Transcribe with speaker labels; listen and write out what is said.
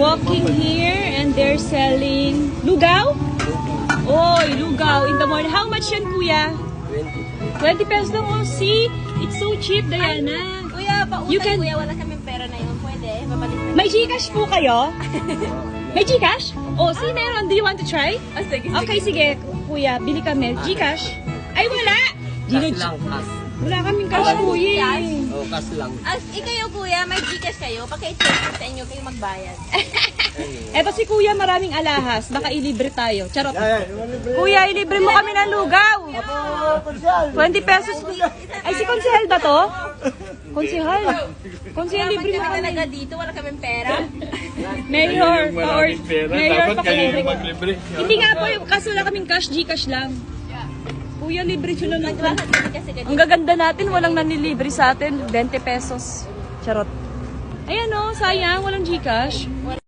Speaker 1: walking here and they're selling lugaw. Oy, lugaw in the morning. How much yan, kuya? 20 pesos lang. Oh, see? It's so cheap, Diana.
Speaker 2: Kuya,
Speaker 1: You
Speaker 2: pautay
Speaker 1: can-
Speaker 2: kuya, wala kaming pera na yun. Pwede, babalik na.
Speaker 1: May Gcash po kayo? May Gcash? Oh, see, meron. Do you want to try?
Speaker 2: Ah, sige,
Speaker 1: Okay, sige, kuya. Bili kami. Gcash? Ay, wala!
Speaker 3: Cash lang, cash.
Speaker 1: Wala kaming cash, kuya.
Speaker 3: Oh, cash lang.
Speaker 2: Ikayo kuya, may Gcash kayo. Paki-check sa inyo kayo magbayad.
Speaker 1: Eto si kuya, maraming alahas. Baka ilibre tayo. Charot. Kuya, ilibre mo kami ng lugaw. 20 pesos. Ay, si Konsehal ba to? Konsehal. Konsehal,
Speaker 2: Pag
Speaker 1: libre mo
Speaker 2: kami
Speaker 1: kami.
Speaker 2: talaga dito, wala kaming pera.
Speaker 1: Mayor, or Mayor,
Speaker 4: Dapat kayo
Speaker 1: pakilibre
Speaker 4: yung
Speaker 1: ko.
Speaker 4: maglibre.
Speaker 1: Hindi nga po, kaso wala kaming cash, Gcash lang. Kuya, libre siya lang.
Speaker 2: Bakit kasi ganito?
Speaker 1: Ang gaganda natin, walang nanilibre sa atin. 20 pesos. Charot. Ayan o, sayang, walang Gcash.